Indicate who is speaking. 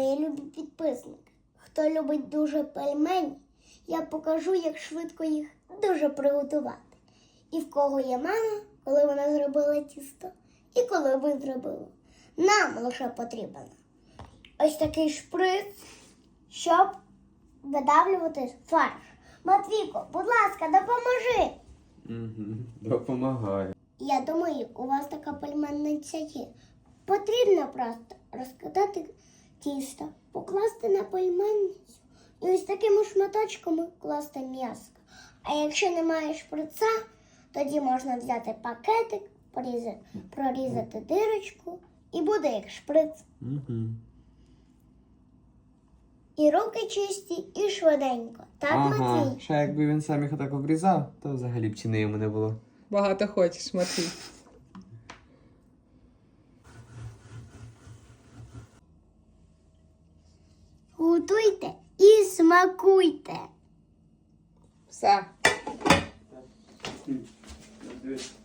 Speaker 1: Мої любі підписники, хто любить дуже пельмені, я покажу, як швидко їх дуже приготувати. І в кого є мама, коли вона зробила тісто, і коли ви зробили. Нам лише потрібен ось такий шприц, щоб видавлювати фарш. Матвійко, будь ласка, допоможи.
Speaker 2: Допомагаю.
Speaker 1: Я думаю, у вас така пельменниця є. Потрібно просто розкатати тісто, покласти на пельменницю і ось такими шматочками класти м'ясо. А якщо немає шприца, тоді можна взяти пакетик, прорізати дирочку і буде як шприц. І руки чисті, і швиденько. Так, Матвій?
Speaker 2: Ще якби він сам їх отак обрізав, то взагалі б ціни йому не було.
Speaker 3: Багато хочеш, Матвій.
Speaker 1: Готуйте і смакуйте.
Speaker 3: Все.
Speaker 2: Дивись.